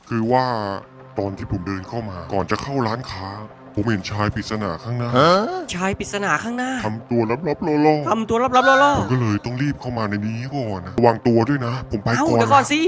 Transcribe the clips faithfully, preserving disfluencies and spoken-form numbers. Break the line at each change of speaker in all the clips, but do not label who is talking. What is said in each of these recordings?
คือว่าตอนที่ผมเดินเข้ามาก่อนจะเข้าร้านค้า ผมเห็นชายปริศนาข้างหน้า
ชายปริศนาข้างหน้า
ทำตัวลับๆล่อ
ทำตัวลับๆล่อ
ๆผมก็เลยต้องรีบเข้ามาในนี้ก่อนนะระวังตัวด้วยนะ ผมไป
ๆเอ้า
ก่อน
เดี๋ยวก่อน
นะ
สิ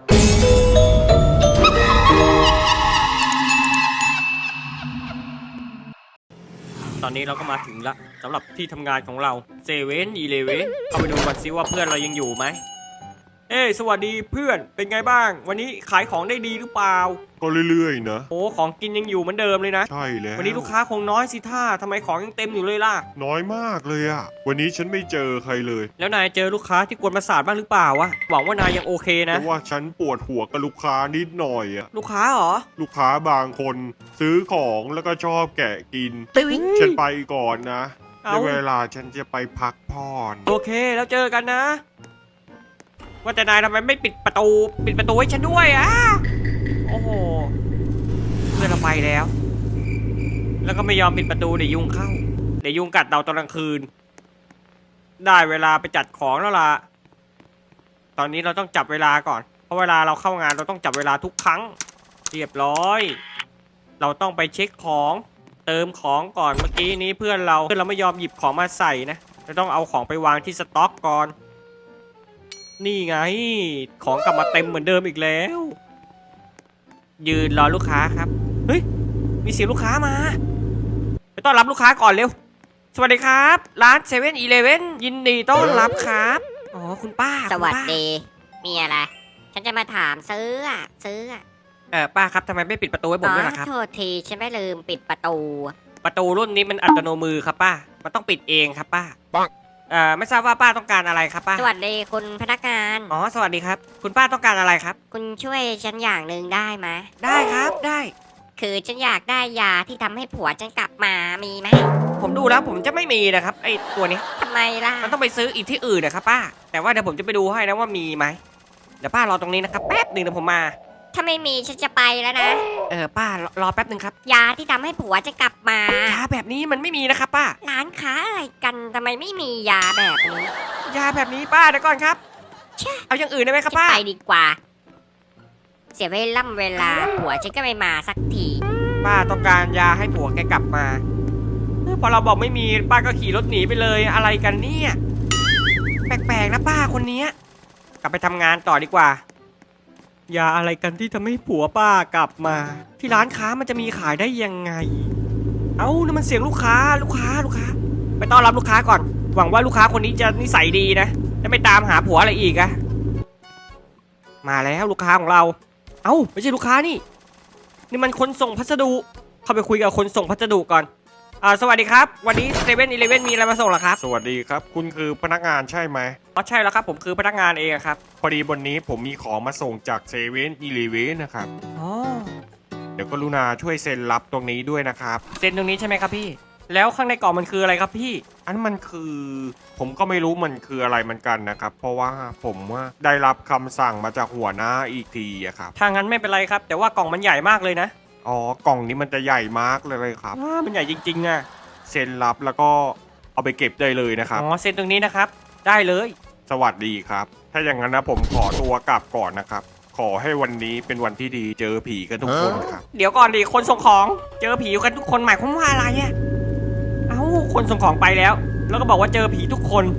ตอนนี้เราก็มาถึงละสำหรับที่ทำงานของเราเซเว่นอีเลเว่นเข้าไปดูกันซิว่าเพื่อนเรายังอยู่ไหมเอ้ยสวัสดีเพื่อนเป็นไงบ้าง วันนี้ขายของได้ดีหรือเปล่า
ก็เรื่อยๆนะ
โอ้ของกินยังอยู่เหมือนเดิมเลยนะ
ใช่แล้ว
วันนี้ลูกค้าคงน้อยสิท่าทำไมของยังเต็มอยู่เลยล่ะ
น้อยมากเลยอะวันนี้ฉันไม่เจอใครเลย
แล้วนายเจอลูกค้าที่กวนประสาทบ้างหรือเปล่าวะหวังว่านายยังโอเค
เพ
นะ
ราะว่าฉันปวดหัวกับลูกค้านิดหน่อยอะ
ลูกค้าเหรอ
ลูกค้าบางคนซื้อของแล้วก็ชอบแกะกิน
ตึ้ง
ฉันไปก่อนนะ
เอ้า
ในเวลาฉันจะไปพักผ่อน
โอเคแล้วเจอกันนะ ว่าแต่นายทำไมไม่ปิดประตู ปิดประตูให้ฉันด้วยอ่ะโอ้โหเพื่อนเราไปแล้ว แล้วก็ไม่ยอมปิดประตูเดี๋ยวยุงเข้าเดี๋ยวยุงกัดเราตอนกลางคืน ได้เวลาไปจัดของแล้วล่ะ ตอนนี้เราต้องจับเวลาก่อน เพราะเวลาเราเข้างานเราต้องจับเวลาทุกครั้ง เรียบร้อย เราต้องไปเช็คของ เติมของก่อนเมื่อกี้นี้เพื่อนเราเพื่อนเราไม่ยอมหยิบของมาใส่นะเราต้องเอาของไปวางที่สต็อกก่อน นี่ไง ของกลับมาเต็มเหมือนเดิมอีกแล้ว ยืนรอลูกค้าครับเฮ้ยมีเสียงลูกค้ามาไปต้อนรับลูกค้าก่อนเร็วสวัสดีครับร้านเซเว่นอีเลเว่นยินดีต้อนรับครับอ๋อคุณป้า
สวัส
คุณป้า
ดี มีอะไร ฉันจะมาถามซื้ออะซื้ออะ
เออป้าครับทำไมไม่ปิดประตูให้ผมด้วยล่ะครับ
โทษทีฉันไม่ลืมปิดประตู
ประตูรุ่นนี้มันอัตโนมือครับป้ามันต้องปิดเองครับป้า
ปัง
เอ่อไม่ทราบว่าป้าต้องการอะไรครับป้า
สวัสดีคุณพนักงาน
อ๋อสวัสดีครับ คุณป้าต้องการอะไรครับ
คุณช่วยฉันอย่างหนึ่งได้ไหม
ได้ครับได้
คือฉันอยากได้ยาที่ทำให้ผัวฉันกลับมามีไหม
ผมดูแล้วผมจะไม่มีนะครับไอตัวนี้
ทำไมล่ะ
มันต้องไปซื้ออีกที่อื่นนะครับป้า แต่ว่าเดี๋ยวผมจะไปดูให้นะว่ามีไหมเดี๋ยวป้ารอตรงนี้นะครับแป๊บหนึ่งเดี๋ยวผมมา
ถ้าไม่มีฉันจะไปแล้วนะ
เออป้ารอรอแป๊บหนึ่งครับ
ยาที่ทำให้ผัวฉันกลับมา
ยาแบบนี้มันไม่มีนะครับป้า
ร้านค้าอะไรกันทำไมไม่มียาแบบนี้
ยาแบบนี้ป้าเดี๋ยวก่อนครับ
ใช่
เอาอย่างอื่นได้ไหมครับ
ฉัน
ป้า
ไปดีกว่า เสียเวล่ำเวลาผัวฉันก็ไม่มาสักที
ป้าต้องการยาให้ผัวแกกลับมาเออพอเราบอกไม่มีป้าก็ขี่รถหนีไปเลยอะไรกันเนี่ยแปลกๆนะป้าคนเนี้ยกลับไปทำงานต่อดีกว่ายาอะไรกันที่ทำให้ผัวป้ากลับมา ที่ร้านค้ามันจะมีขายได้ยังไง เอ้านี่มันเสียงลูกค้าลูกค้าลูกค้า ไปต้อนรับลูกค้าก่อน หวังว่าลูกค้าคนนี้จะนิสัยดีนะจะไม่ตามหาผัวอะไรอีกอะมาแล้วลูกค้าของเรา เอ้าไม่ใช่ลูกค้านี่ นี่มันคนส่งพัสดุ เข้าไปคุยกับคนส่งพัสดุก่อน อ่าสวัสดีครับ วันนี้เซเว่นอีเลเว่นมีอะไรมาส่งเหรอครับ
สวัสดีครับ คุณคือพนักงานใช่ไหม
อ๋อใช่แล้วครับผมคือพนักงานเองครับ
พอดีวันนี้ผมมีของมาส่งจากเซเว่นอีเลเวนนะครับ
อ๋อ
เดี๋ยวกรุณาช่วยเซ็นรับตรงนี้ด้วยนะครับ
เซ็นตรงนี้ใช่ไหมครับพี่ แล้วข้างในกล่องมันคืออะไรครับพี่
อันมันคือ ผมก็ไม่รู้มันคืออะไรเหมือนกันนะครับ เพราะว่าผมว่าได้รับคำสั่งมาจากหัวหน้าอีกทีอะครับ
ถ้างั้นไม่เป็นไรครับ แต่ว่ากล่องมันใหญ่มากเลยนะ
อ๋อกล่องนี้มันจะใหญ่มากเลยครับ
อ่ามันใหญ่จริงๆอ่ะ
เซ็นรับแล้วก็เอาไปเก็บได้เลยนะครับ
อ๋อเซ็นตรงนี้นะครับ ได้เลย
สวัสดีครับ ถ้าอย่างนั้นนะผมขอตัวกลับก่อนนะครับ ขอให้วันนี้เป็นวันที่ดีเจอผีกันทุกคนครับ
เดี๋ยวก่อนดิคนส่งของ เจอผีกันทุกคนหมายความว่าอะไรอ่ะเอ้าคนส่งของไปแล้ว แล้วก็บอกว่าเจอผีทุกคน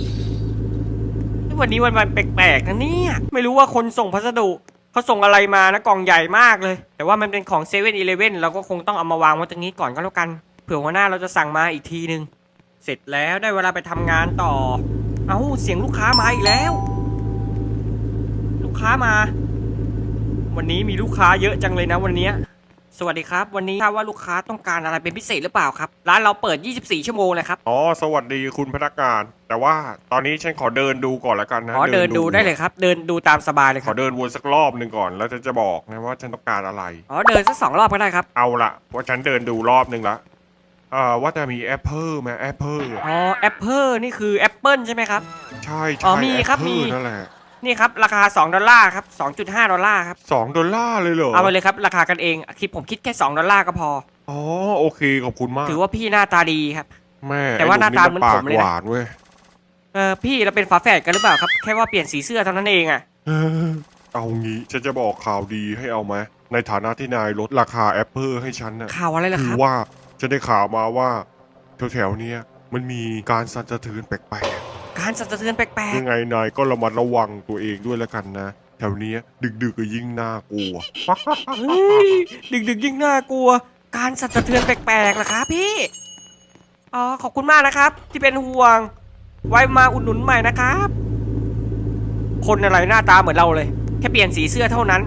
วันนี้วันวันแปลกๆนะเนี่ยไม่รู้ว่าคนส่งพัสดุเขาส่งอะไรมานะกล่องใหญ่มากเลย แต่ว่ามันเป็นของเซเว่นอีเลเว่นเราก็คงต้องเอามาวางไว้ตรงนี้ก่อนก็แล้วกันเผื่อหัวหน้าเราจะสั่งมาอีกทีนึงเสร็จแล้วได้เวลาไปทำงานต่อ เอ้าเสียงลูกค้ามาอีกแล้ว ลูกค้ามา วันนี้มีลูกค้าเยอะจังเลยนะวันนี้สวัสดีครับ วันนี้ทราบว่าลูกค้าต้องการอะไรเป็นพิเศษหรือเปล่าครับร้านเราเปิดยี่สิบสี่ชั่วโมงเลยครับ
อ๋อสวัสดีคุณพนักงาน แต่ว่าตอนนี้ฉันขอเดินดูก่อนละกันนะ
อ๋อเดินดูได้เลยครับ เดินดูตามสบายเลยค
ขอ
รับ
เดินวนสักรอบหนึ่งก่อนแล้วฉันจะบอกนะว่าฉันต้องการอะไร
อ๋อเดินสักสองรอบก็ได้ครับ
เอาละเพราะฉันเดินดูรอบหนึ่งละเอ่อว่าจะมีแอปเปิลไหมแอปเปิล
อ๋อแอปเปิลนี่คือแอปเปิลใช่ไหมครับ
ใช่
อ๋
ใช่
อมีครับ
แอปเปิล
มี
นั่นแหละ
นี่ครับราคาสองดอลลาร์ครับสองจุดห้าดอลลาร์ครับ
สองดอลลาร์เลยเหรอ
เอาไปเลยครับราคากันเองคิดผมคิดแค่สองดอลลาร์ก็พอ
อ๋อโอเคขอบคุณมาก
ถือว่าพี่หน้าตาดีครับ
แม่
แต่ว่าหน้าตา
ไอ้
เหมือน
ป
ผมเลยนะ
หวานเว้ย
เออพี่เราเป็นฝาแฝดกันหรือเปล่าครับแค่ว่าเปลี่ยนสีเสื้อเท่านั้นเองอะ
เออเอางี้ฉันจะบอกข่าวดีให้เอาไหมในฐานะที่นายลดราคาแอปเปิลให้ฉันนะ
ข่าวอะไรล่ะ
คื
ค
อ
รับ
ว่าฉันได้ข่าวมาว่าแถวๆเนี้ยมันมีการสั่นสะเทือนแปลก
การสั่นสะเทือนแปล
ๆ
ก
ยังไงนายก็ระมัดระวังตัวเองด้วยแล้วกันนะแถวเนี้ยดึกๆก็ยิ่งน่ากลัว
ๆเฮ้ยดึกๆยิ่งน่ากลัว การสั่นสะเทือนแปลกๆเหรอครับพี่อ๋อขอบคุณมากนะครับ ที่เป็นห่วง ไว้มาอุดหนุนใหม่นะครับ คนอะไรหน้าตาเหมือนเราเลย แค่เปลี่ยนสีเสื้อเท่านั้น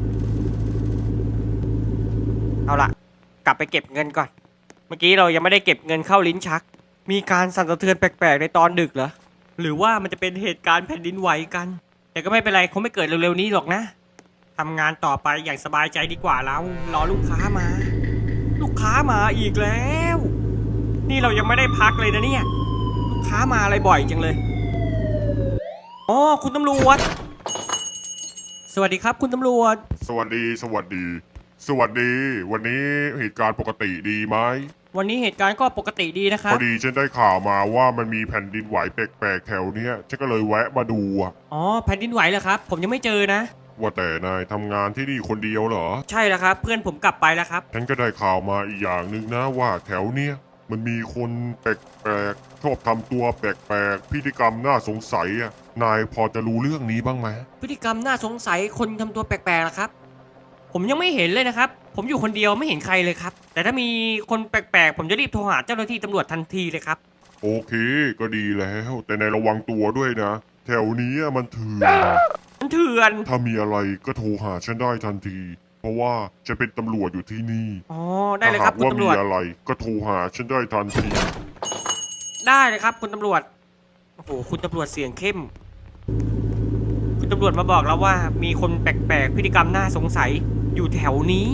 เอาล่ะ กลับไปเก็บเงินก่อน เมื่อกี้เรายังไม่ได้เก็บเงินเข้าลิ้นชัก มีการสั่นสะเทือนแปลกๆในตอนดึกเหรอ หรือว่ามันจะเป็นเหตุการณ์แผ่นดินไหวกัน แต่ก็ไม่เป็นไรคงไม่เกิดเร็วๆนี้หรอกนะทำงานต่อไปอย่างสบายใจดีกว่าเรารอลูกค้ามา ลูกค้ามาอีกแล้ว นี่เรายังไม่ได้พักเลยนะเนี่ย ลูกค้ามาอะไรบ่อยจังเลยอ๋อคุณตำรวจ สวัสดีครับคุณตำรวจ
สวัสดี สวัสดี สวัสดี วันนี้เหตุการณ์ปกติดีไหม
วันนี้เหตุการณ์ก็ปกติดีนะครั
พ
บ
อดีฉันได้ข่าวมาว่ามันมีแผ่นดินไหวแปลกๆแถวเนี้ยฉันก็เลยแวะมาดูอะ
อ๋อแผ่นดินไหวเหรอครับ ผมยังไม่เจอนะ
ว่าแต่นายทำงานที่นี่คนเดียวเหรอ
ใช่แล้วครับ เพื่อนผมกลับไปแล้วครับ
ฉันก็ได้ข่าวมาอีกอย่างหนึ่งนะว่าแถวเนี้ยมันมีคนแปลกๆชอบทำตัวแปลกๆพฤติกรรมน่าสงสัยอะนายพอจะรู้เรื่องนี้บ้างไหม
พฤติกรรมน่าสงสัยคนทำตัวแปลกๆล่ะครับ ผมยังไม่เห็นเลยนะครับ ผมอยู่คนเดียวไม่เห็นใครเลยครับ แต่ถ้ามีคนแปลกๆ ผมจะรีบโทรหาเจ้าหน้าที่ตำรวจทันทีเลยครับ
โอเคก็ดีแล้ว แต่นายระวังตัวด้วยนะ แถวนี้มันเถื่อน
มันเถื่อน
ถ้ามีอะไรก็โทรหาฉันได้ทันที เพราะว่าจะเป็นตำรวจอยู่ที่นี่
อ๋อได้เลยครับ
ถ้า
คุณ
หากว่า
ตำร
มี
วจ
อะไรก็โทรหาฉันได้ทันที
ได้เลยครับคุณตำรวจ โอ้โหคุณตำรวจเสียงเข้ม คุณตำรวจมาบอกแล้วว่ามีคนแปลกๆพฤติกรรมน่าสงสัยอยู่แถวนี้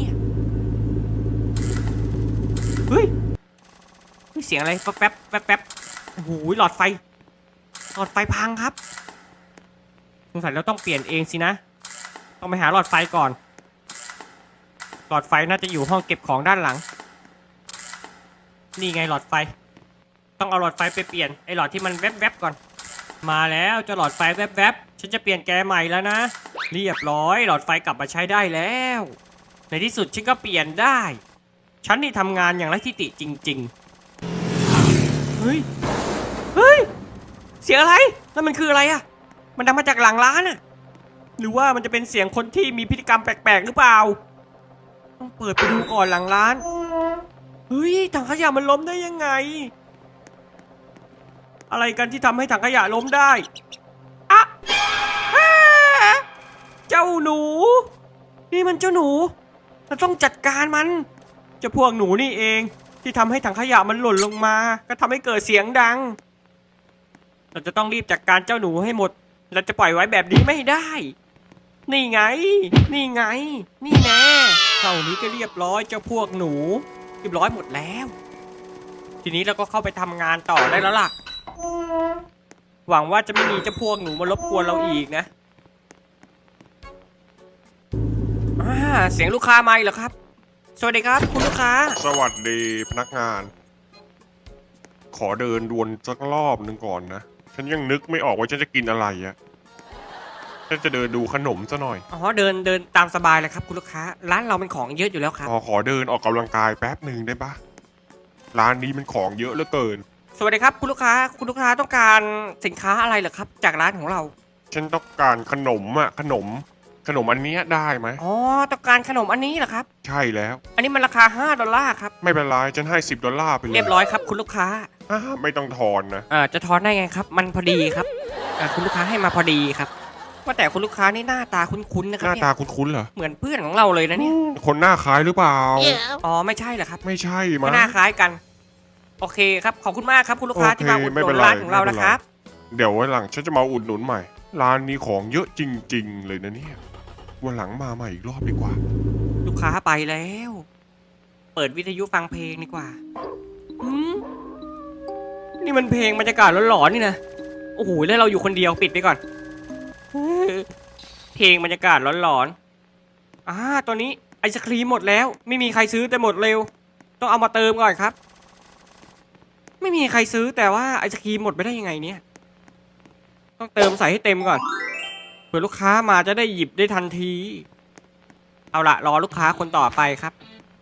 เฮ้ยเฮ้ยเสียงอะไรแป๊บแป๊บแป๊บแป๊บโอ้โหหลอดไฟ หลอดไฟพังครับสงสัยเราต้องเปลี่ยนเองสินะ ต้องไปหาหลอดไฟก่อน หลอดไฟน่าจะอยู่ห้องเก็บของด้านหลัง นี่ไงหลอดไฟ ต้องเอาหลอดไฟไปเปลี่ยนไอ้หลอดที่มันแวบๆก่อน มาแล้วเจ้าหลอดไฟแวบๆฉันจะเปลี่ยนแกใหม่แล้วนะ เรียบร้อยหลอดไฟกลับมาใช้ได้แล้ว ในที่สุดฉันก็เปลี่ยนได้ ฉันนี่ทำงานอย่างไรที่ติจริงๆ เฮ้ย เฮ้ย เสียงอะไรนั่นมันคืออะไรอะมันดังมาจากหลังร้านอะหรือว่ามันจะเป็นเสียงคนที่มีพฤติกรรมแปลกๆหรือเปล่า ต้องเปิดไปดูก่อนหลังร้าน เฮ้ยถังขยะมันล้มได้ยังไง อะไรกันที่ทำให้ถังขยะล้มได้อะอ่าเจ้าหนู นี่มันเจ้าหนู เราต้องจัดการมันเจ้าพวกหนูนี่เองที่ทำให้ถังขยะมันหล่นลงมา ก็ทำให้เกิดเสียงดัง เราจะต้องรีบจัดการเจ้าหนูให้หมด เราจะปล่อยไว้แบบนี้ไม่ได้ นี่ไง นี่ไง นี่แน่เท่านี้ก็เรียบร้อยเจ้าพวกหนูเรียบร้อยหมดแล้ว ทีนี้เราก็เข้าไปทำงานต่อได้แล้วล่ะ หวังว่าจะไม่มีเจ้าพวกหนูมารบกวนเราอีกนะอ่าเสียงลูกค้ามาอีกเหรอครับ สวัสดีครับคุณลูกค้า
สวัสดีพนักงาน ขอเดินดวนสักรอบหนึ่งก่อนนะ ฉันยังนึกไม่ออกว่าฉันจะกินอะไรอะฉันจะเดินดูขนมซะหน่อย
อ๋อเดินเดินตามสบายเลยครับคุณลูกค้า ร้านเราเป็นของเยอะอยู่แล้วครับ
ขอขอเดินออกกำลังกายแป๊บหนึ่งได้ปะร้านนี้มันของเยอะเหลือเกิน
สวัสดีครับคุณลูกค้า คุณลูกค้าต้องการสินค้าอะไรเหรอครับ จากร้านของเรา
ฉันต้องการขนมอะขนม ขนมอันเนี้ยได้ไหม
อ๋อต้องการขนมอันนี้เหรอครับ
ใช่แล้ว
อันนี้มันราคาห้าดอลลาร์ครับ
ไม่เป็นไรฉันให้สิบดอลลาร์ไปเลย
เรียบร้อยครับคุณลูกค้า
อ่าไม่ต้องทอนนะ
เอ่อจะทอนได้ไงครับ มันพอดีครับอ่าคุณลูกค้าให้มาพอดีครับ ว่าแต่คุณลูกค้านี่หน้าตาคุ้นๆนะค
ห
รับ
น้า
เนี่ย
ตาคุ้นๆเหรอ
เหมือนเพื่อนของเราเลยนะเนี่ย
คนหน้าคล้ายหรือเปล่า
อ๋อไม่ใช่เหรอครับ
ไม่ใช่
ก็
มั้ง
หน้าคล้ายกัน โอเคครับขอบคุณมากครับคุณลูกค้า
โอเค
ที่มาอุดห
ไม่
นุ
เป็น
น
ไร
ร้านของเรา
ไม่เป็
นะ
นไร
ครับ
เดี๋ยววันหลังฉันจะมาอุดหนุนใหม่ ร้านนี้ของเยอะจริง ๆ เลยนะเนี่ยวันหลังมาใหม่อีกรอบดีกว่า
ลูกค้าไปแล้ว เปิดวิทยุฟังเพลงดีกว่าหืมนี่มันเพลงบรรยากาศหลอนๆนี่นะโอ้โหแล้วเราอยู่คนเดียวปิดไปก่อนเฮ้ยเพลงบรรยากาศหลอนๆอ่าตัวนี้ไอศครีมหมดแล้ว ไม่มีใครซื้อแต่หมดเร็ว ต้องเอามาเติมก่อนครับ ไม่มีใครซื้อแต่ว่าไอศครีมหมดไปได้ยังไงเนี่ย ต้องเติมใส่ให้เต็มก่อนเผื่อลูกค้ามาจะได้หยิบได้ทันที เอาละรอลูกค้าคนต่อไปครับ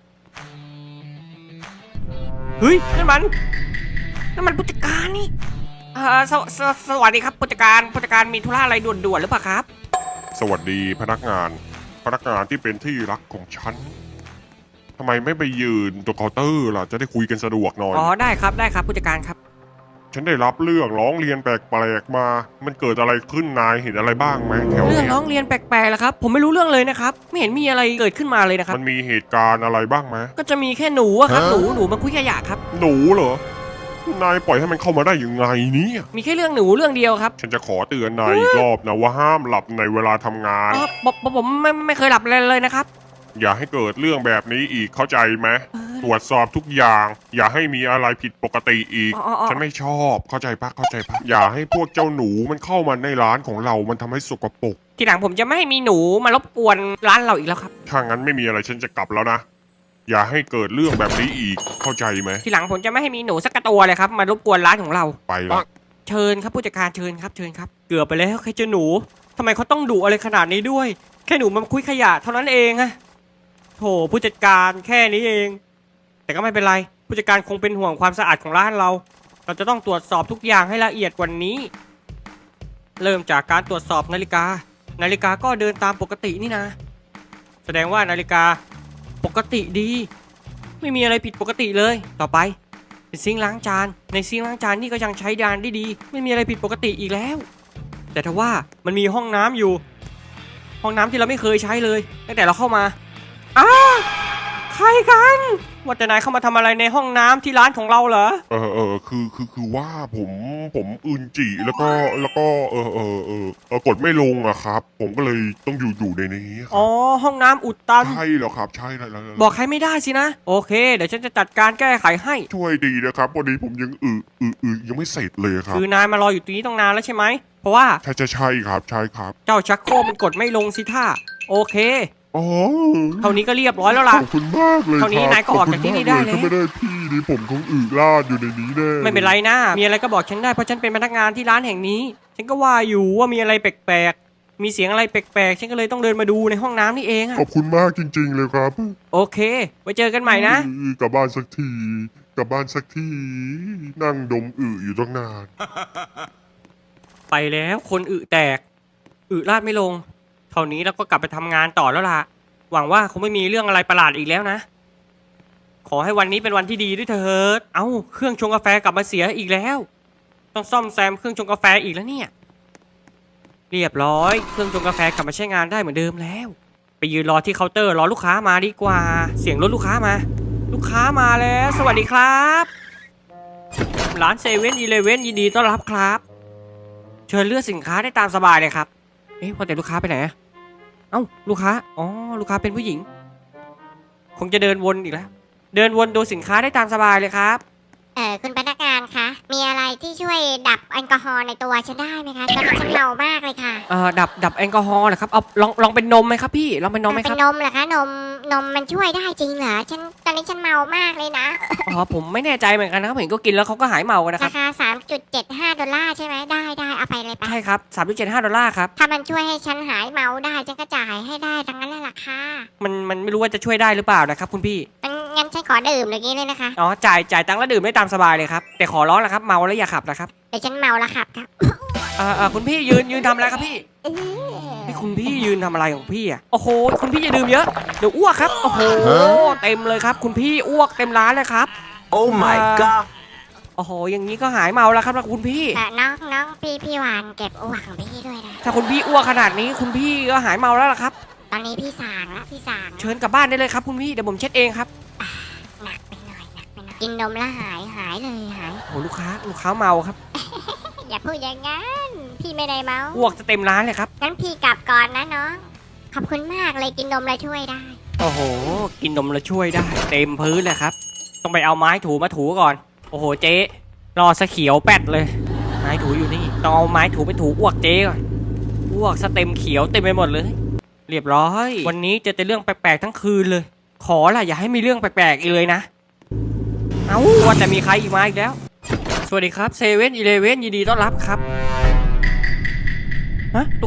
เฮ้ยนั่นมันนั่นมันผู้จัดการนี่เอ่อสวสวสวัสดีครับผู้จัดการผู้จัดการมีธุระอะไรด่วนๆหรือเปล่าครับ
สวัสดีพนักงาน พนักงานที่เป็นที่รักของฉันทำไมไม่ไปยืนตรงเคาน์เตอร์ล่ะจะได้คุยกันสะดวกหน่อย
อ๋อได้ครับได้ครับผู้จัดการครับ
ฉันได้รับเรื่องร้องเรียนแปลกๆมา มันเกิดอะไรขึ้นนายเห็นอะไรบ้างไหมแถว
เรื่อง
เนี้ย
ร้องเรียนแปลกๆแล้วครับผมไม่รู้เรื่องเลยนะครับไม่เห็นมีอะไรเกิดขึ้นมาเลยนะครับ
มันมีเหตุการณ์อะไรบ้างไหม
ก็จะมีแค่หนูอะครับหนูหนูมาคุยขยะครับ
หนูเหรอ นายปล่อยให้มันเข้ามาได้ยังไงเนี่ย
มีแค่เรื่องหนูเรื่องเดียวครับ
ฉันจะขอเตือนนายอีกรอบนะว่าห้ามหลับในเวลาทำงาน
อ๋อผมผมผมไม่ไม่เคยหลับเลยเลยนะครับ
อย่าให้เกิดเรื่องแบบนี้อีกเข้าใจไหม
เออ
ตรวจสอบทุกอย่าง อย่าให้มีอะไรผิดปกติอีก
อ๋ออ๋ออ๋อ
ฉันไม่ชอบเข้าใจปะเข้าใจปะอย่าให้พวกเจ้าหนูมันเข้ามาในร้านของเรามันทำให้สกปรก
ทีหลังผมจะไม่ให้มีหนูมารบกวนร้านเราอีกแล้วครับ
ถ้างั้นไม่มีอะไรฉันจะกลับแล้วนะ อย่าให้เกิดเรื่องแบบนี้อีกเข้าใจไหม
ทีหลังผมจะไม่ให้มีหนูสักกระตัวเลยครับมารบกวนร้านของเรา
ไปละ
เชิญครับผู้จัดการเชิญครับเชิญครับเกือบไปแล้วใครเจอหนูทำไมเขาต้องดุอะไรขนาดนี้ด้วย แค่หนูมาคุยขยะเท่านั้นเองอะโถผู้จัดการแค่นี้เอง แต่ก็ไม่เป็นไรผู้จัดการคงเป็นห่วงความสะอาดของร้านเรา เราจะต้องตรวจสอบทุกอย่างให้ละเอียดกว่านี้ เริ่มจากการตรวจสอบนาฬิกา นาฬิกาก็เดินตามปกตินี่นะ แสดงว่านาฬิกาปกติดี ไม่มีอะไรผิดปกติเลยต่อไปเป็นซิงค์ล้างจานในซิงค์ล้างจานนี่ก็ยังใช้ดานได้ดี ไม่มีอะไรผิดปกติอีกแล้ว แต่ถ้าว่ามันมีห้องน้ำอยู่ ห้องน้ำที่เราไม่เคยใช้เลยตั้งแต่เราเข้ามาอ้าใครกันว่าแต่นายเข้ามาทำอะไรในห้องน้ำที่ร้านของเราเหรอ
เออเออคือคือคือว่าผมผมอึนจีแล้วก็แล้วก็เออเออเออเออกดไม่ลงอะครับ ผมก็เลยต้องอยู่อยู่ในนี้ค
อ๋
รั
อบ ห้องน้ำอุดตัน
ใช่แล้วครับใช่แล้วแล้วแล้ว
บอกใครไม่ได้สินะโอเคเดี๋ยวฉันจะจัดการแก้ไขให้
ช่วยดีนะครับวันนี้ผมยังอึอึอึยังไม่เสร็จเลยครับ
คือนายมารออยู่ตรงนี้ตั้งนานแล้วใช่ไหมเพราะว่า
ใช่ใช่ใช่ครับใช่ครับ
เจ้าชักโครกมันกดไม่ลงสิท่าโอเค
อ๋อ
เท่านี้ก็เรียบร้อยแล้วล่ะ
ขอบคุณมากเลย
เท่านี้
ครับ
นายก็ออกจากที่นี่ได้แล้ว
ขอบคุณมากเยถ้าไม่ได้พี่นี่ผมคงอึลาดอยู่ในนี้แน่
ไม่เป็นไรนะ มีอะไรก็บอกฉันได้เพราะฉันเป็นพนักงานที่ร้านแห่งนี้ ฉันก็ว่าอยู่ว่ามีอะไรแปลกๆ มีเสียงอะไรแปลกๆ ฉันก็เลยต้องเดินมาดูในห้องน้ำนี่เองอะ
ขอบคุณมากจริง ๆ เลยครับ
โอเค ไว้เจอกันใหม่นะ
อือกลับบ้านสักทีกลับบ้านสักทีนั่งดมอึอยู่ตั้งนาน
ไปแล้วคนอึแตก อึราดไม่ลง เท่านี้เราก็กลับไปทำงานต่อแล้วล่ะ หวังว่าคงไม่มีเรื่องอะไรประหลาดอีกแล้วนะ ขอให้วันนี้เป็นวันที่ดีด้วยเถิด เอ้า เครื่องชงกาแฟกลับมาเสียอีกแล้ว ต้องซ่อมแซมเครื่องชงกาแฟอีกแล้วเนี่ย เรียบร้อย เครื่องชงกาแฟกลับมาใช้งานได้เหมือนเดิมแล้ว ไปยืนรอที่เคาน์เตอร์รอลูกค้ามาดีกว่า เสียงรถลูกค้ามา ลูกค้ามาแล้ว สวัสดีครับร้านเซเว่นอีเลเว่นยินดีต้อนรับครับ เชิญเลือกสินค้าได้ตามสบายเลยครับ เอ๊ะพอแต่ลูกค้าไปไหนอะเอ้าลูกค้า อ๋อ ลูกค้าเป็นผู้หญิง คงจะเดินวนอีกแล้ว เดินวนดูสินค้าได้ตามสบายเลยครับ
เออคุณพนักงานคะ มีอะไรที่ช่วยดับแอลกอฮอล์ในตัวฉันได้ไหมคะตอนนี้ฉันเมามากเลยค่ะ
เอ่อ ดับ ดับแอลกอฮอล์เหรอครับ เอาลอง ลองเป็นนมไหมครับพี่ ลองเป็นนมไหมค
เป็
รับ
นนมเหรอคะนมนมมันช่วยได้จริงเหรอฉันตอนนี้ฉันเมามากเลยนะ
อ๋อ ผมไม่แน่ใจเหมือนกันนะครับเห็นก็กินแล้วเขาก็หายเมากันนะค
รา
รับ
คา สามจุดเจ็ดห้า ดอลลาร์ใช่ไหมได้ได้เอาไปเลยไป
ใช่ครับสามจุดเจ็ดห้าดอลลาร์ครับ
ถ้ามันช่วยให้ฉันหายเมาได้ฉันก็จ่ายให้ได้ทั้งนั้นแหละล่ะค่ะ
มัน มันไม่รู้ว่าจะช่วยได้หรือเปล่านะครับคุณพี่
งั้นงั้นฉันขอดื่มอย่างนี้เลยนะคะ
อ๋อ จ่าย จ่ายตังค์แล้วดื่มได้ตามสบายเลยครับ แต่ขอร้องนะครับ เมาแล้วอย่าขับนะครับ
เดี๋ยวฉันเมาแล้วขับครับ
เอ่อเอ่อคุณพี่ยืน ยืนทำอะไรครับพี่
เออ
นี่คุณพี่ยืนทำอะไรของพี่อ่ะ โอ้โห คุณพี่อย่าดื่มเยอะ เดี๋ยวอ้วกครับ โอ้โห เต็มเลยครับ คุณพี่อ้วกเต็มร้านเลยครับ
Oh my god
โอ้โห อย่างนี้ก็หายเมาแล้วครับคุณพี่
แต่น้องน้องพี่พี่หวานเก็บอ้วกของพี่ด้วยนะ
ถ้าคุณพี่อ้วกขนาดนี้คุณพี่ก็หายเมาแล้วล่ะครับ
ตอนนี้พี่สางแล้วพี่สาง
เชิญกลับบ้านได้เลยครับคุณพี่ เดี๋ยวผมเช็ดเองครับ
หนักไปหน่อยหนักไปหน่อยกินนมแล้วหายหายเลยหาย
โอ้โหลูกค้า ลูกค้าเมาครับ
อย่าพูดอย่างงั้นพี่ไม่ได้เมา
อ้วกจะเต็มร้านเลยครับ
งั้นพี่กลับก่อนนะน้องขอบคุณมากเลยกินนมแล้วช่วยได้
โอ้โห กินนมแล้วช่วยได้ เต็มพื้นเลยครับ ต้องไปเอาไม้ถูมาถูก่อน โอ้โห เจ๊รอสะเขียวแปดเลย ไม้ถูอยู่นี่ ต้องเอาไม้ถูไปถูอ้วกเจ๊ก่อน อ้วกสเต็มเขียวเต็มไปหมดเลย เรียบร้อย วันนี้เจอแต่เรื่องแปลกๆทั้งคืนเลย ขอล่ะอย่าให้มีเรื่องแปลกๆอีกเลยนะ เอ้าว่าแต่มีใครอีกมาอีกแล้ว สวัสดีครับเซเว่นอีเลเว่นยินดีต้อนรับครับ ฮะลูกค้า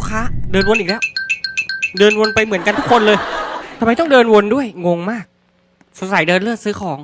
เดินวนอีกแล้ว เดินวนไปเหมือนกันทุกคนเลยทำไมต้องเดินวนด้วยงงมากสงสัยเดินเลือกซื้อของ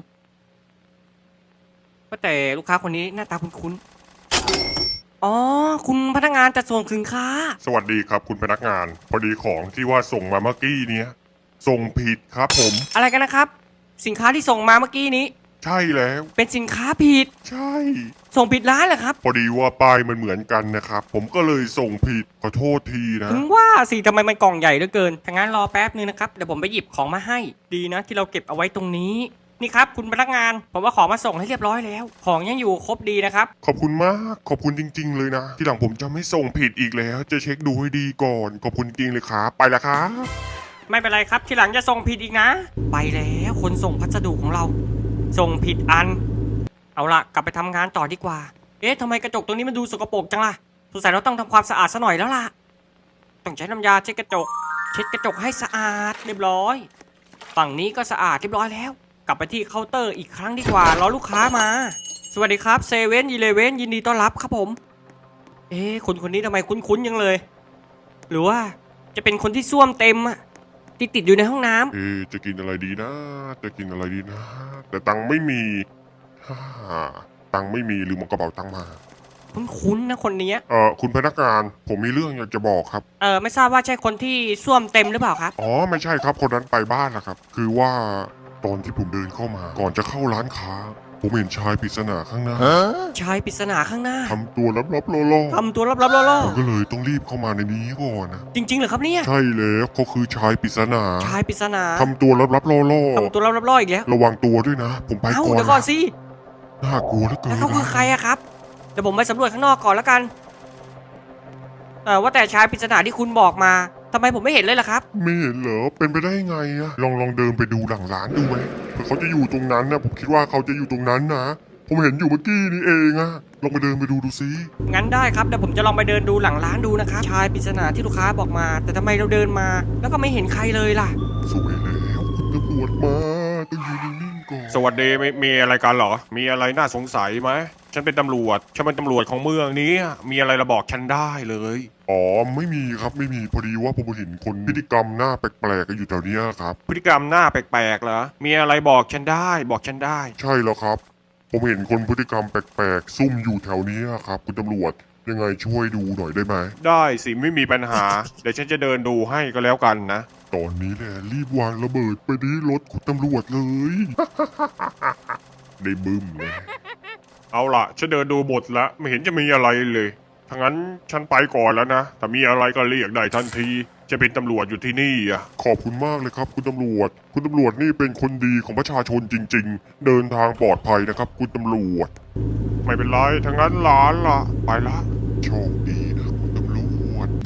ว่าแต่ลูกค้าคนนี้หน้าตาคุ้นๆอ๋อคุณพนักงานจะส่งสินค้า
สวัสดีครับคุณพนักงาน พอดีของที่ว่าส่งมาเมื่อกี้เนี้ยส่งผิดครับผม
อะไรกันนะครับ สินค้าที่ส่งมาเมื่อกี้นี้
ใช่แล้ว
เป็นสินค้าผิด
ใช่
ส่งผิดร้านเหรอครับ
พอดีว่าป้ายมันเหมือนกันนะครับ ผมก็เลยส่งผิดขอโทษทีนะ
ถึงว่าสิทำไมมันกล่องใหญ่เหลือเกินถ้างั้นรอแป๊บนึงนะครับเดี๋ยวผมไปหยิบของมาให้ดีนะที่เราเก็บเอาไว้ตรงนี้นี่ครับคุณพนักงานผมว่าของมาส่งให้เรียบร้อยแล้ว ของยังอยู่ครบดีนะครับ
ขอบคุณมากขอบคุณจริง ๆ เลยนะ ที่หลังผมจะไม่ส่งผิดอีกแล้ว จะเช็คดูให้ดีก่อน ขอบคุณจริงเลยครับไปแล้วครับ
ไม่เป็นไรครับทีหลังจะส่งผิดอีกนะ ไปแล้วคนส่งพัสดุของเรา ส่งผิดอัน เอาละกลับไปทำงานต่อดีกว่า เอ๊ะทำไมกระจกตรงนี้มันดูสกปรกจังล่ะสงสัยเราต้องทำความสะอาดซะหน่อยแล้วล่ะต้องใช้น้ำยาเช็ดกระจก เช็ดกระจกให้สะอาดเรียบร้อยฝั่งนี้ก็สะอาดเรียบร้อยแล้ว กลับไปที่เคาน์เตอร์อีกครั้งดีกว่ารอลูกค้ามา สวัสดีครับเซเว่นอีเลเว่นยินดีต้อนรับครับผม เอ๊ะคนคนนี้ทำไมคุ้นๆยังเลย หรือว่าจะเป็นคนที่ส้วมเต็มอะที่ติดอยู่ในห้องน้ำ
เอ๊ะจะกินอะไรดีนะ จะกินอะไรดีนะ แต่ตังค์ไม่มีฮ่าตังค์ไม่มีลืมเอากระเป๋าตังค์มา
คุ้นๆนะคนเนี้ย
เอ่อคุณพนักงานผมมีเรื่องอยากจะบอกครับ
เออไม่ทราบว่าใช่คนที่ส้วมเต็มหรือเปล่าครับ
อ๋อไม่ใช่ครับคนนั้นไปบ้านนะครับ คือว่าตอนที่ผมเดินเข้ามา ก่อนจะเข้าร้านค้า ผมเห็นชายปริศนาข้างหน้า
ชายปริศนาข้างหน้า
ทำตัวลับๆล่อ
ทำตัวลับๆล่อ
ๆผมก็เลยต้องรีบเข้ามาในนี้ก่อนนะ
ๆจริงๆเหรอครับเนี่ย
ใช่แล้วเขาคือชายปริศนา
ชายปริศนา
ทำตัวลับๆล่อ
ทำตัวลับๆล่ออีกแล้ว
ๆระวังตัวด้วยนะ ผมไป
เอ้า
ก่อน
เดี๋ยวก่อนสิ
น่ากลัวเหลือเกิน
แล้วเขาคือ
นะ
ใครอะครับเดี๋ยวผมไปสำรวจข้างนอกก่อนแล้วกันเออว่าแต่ชายปริศนาที่คุณบอกมาทำไมผมไม่เห็นเลยล่ะครับ
ไม่เห็นเหรอเป็นไปได้ไงอะลองลองเดินไปดูหลังร้านดูไหมเผื่อเขาจะอยู่ตรงนั้นนะผมคิดว่าเขาจะอยู่ตรงนั้นนะผมเห็นอยู่เมื่อกี้นี่เองอะลองไปเดินไปดูดูซิ
งั้นได้ครับเดี๋ยวผมจะลองไปเดินดูหลังร้านดูนะครับชายปริศนาที่ลูกค้าบอกมา แต่ทำไมเราเดินมา แล้วก็ไม่เห็นใครเลยล่ะ
สวยแล้วคุณตำรวจมาต้องยืนนิ่งๆก่อน
สวัสดีมีมีอะไรกันเหรอ มีอะไรน่าสงสัยไหมฉันเป็นตำรวจฉันเป็นตำรวจของเมืองนี้มีอะไรระบอกฉันได้เลย
อ๋อไม่มีครับไม่มีพอดีว่าผมเห็นคนพฤติกรรมหน้าแปลกๆกันอยู่แถวเนี้ยครับ
พฤติกรรมหน้าแปลกๆเหรอมีอะไรบอกฉันได้บอกฉันได้
ใช่แล้วครับ ผมเห็นคนพฤติกรรมแปลกๆ ซุ่มอยู่แถวเนี้ยครับ คุณตำรวจยังไงช่วยดูหน่อยได้ไหม
ได้สิไม่มีปัญหา เดี๋ยวฉันจะเดินดูให้ก็แล้วกันนะ
ตอนนี้แหละรีบวางระเบิดไปที่รถคุณตำรวจเลย ได้บึ้มเลย
เอาล่ะฉันเดินดูหมดแล้วไม่เห็นจะมีอะไรเลยถ้างั้นฉันไปก่อนแล้วนะถ้ามีอะไรก็เรียกได้ทันทีจะเป็นตำรวจอยู่ที่นี่อ่ะ
ขอบคุณมากเลยครับ คุณตำรวจ คุณตำรวจนี่เป็นคนดีของประชาชนจริง ๆ เดินทางปลอดภัยนะครับ คุณตำรวจ
ไม่เป็นไรถ้างั้นหลานล่ะไปละ
โชคดีนะคุณตำรวจ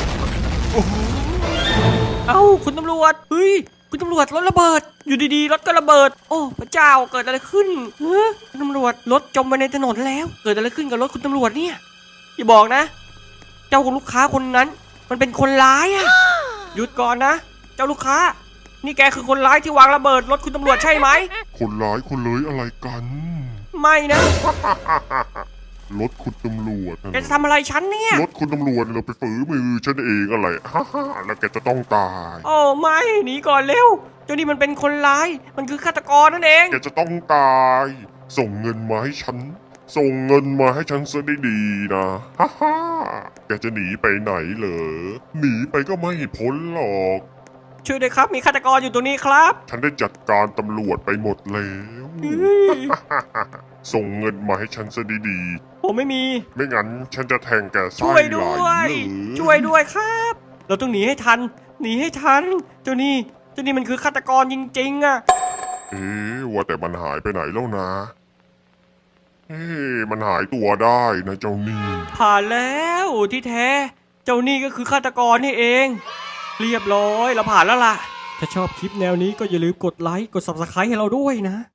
เอ้าคุณตำรวจเฮ้ยคุณตำรวจรถระเบิด อยู่ดีๆรถก็ระเบิด โอ้พระเจ้าเกิดอะไรขึ้นเฮ้ยคุณตำรวจรถจมไปในถนนแล้ว เกิดอะไรขึ้นกับรถคุณตำรวจเนี่ยอย่าบอกนะ เจ้าของลูกค้าคนนั้น มันเป็นคนร้ายอะหยุดก่อนนะ เจ้าลูกค้า นี่แกคือคนร้ายที่วางระเบิดรถคุณตำรวจใช่ไหม
คนร้ายคนเลยอะไรกัน
ไม่นะ
รถคุณตำรวจ
แกจะทำอะไรฉันเนี่ย
รถคุณตำรวจเราไปฝือมือฉันเองอะไร ฮ่าฮ่าแล้วแกจะต้องตาย
โอ้ไม่หนีก่อนเร็วเจ้านี่มันเป็นคนร้าย มันคือฆาตกรนั่นเอง
แกจะต้องตาย ส่งเงินมาให้ฉัน ส่งเงินมาให้ฉันซะดีๆนะ ฮ่าฮ่าแกจะหนีไปไหนเหรอ หนีไปก็ไม่พ้นหรอก
ช่วยด้วยครับมีฆาตกรอยู่ตรงนี้ครับ
ฉันได้จัดการตำรวจไปหมดแล้ว
เฮ้ย
ส่งเงินมาให้ฉันซะดี
ผมไม่มี
ๆ ไม่งั้นฉันจะแทงแกไส้
ช่วย
ไหล
ด้วย
เลย
ช่วยด้วยครับ เราต้องหนีให้ทัน หนีให้ทัน เจ้านี่ เจ้านี่มันคือฆาตกรจริงๆอะ
เอ๊ะว่าแต่มันหายไปไหนแล้วนะ เอ๊ะมันหายตัวได้นะเจ้านี่
ผ่านแล้วที่แท้ เจ้านี่ก็คือฆาตกรนี่เอง เรียบร้อยเราผ่านแล้วล่ะ ถ้าชอบคลิปแนวนี้ก็อย่าลืมกดไลค์ กด ซับสไครบ์ ให้เราด้วยนะ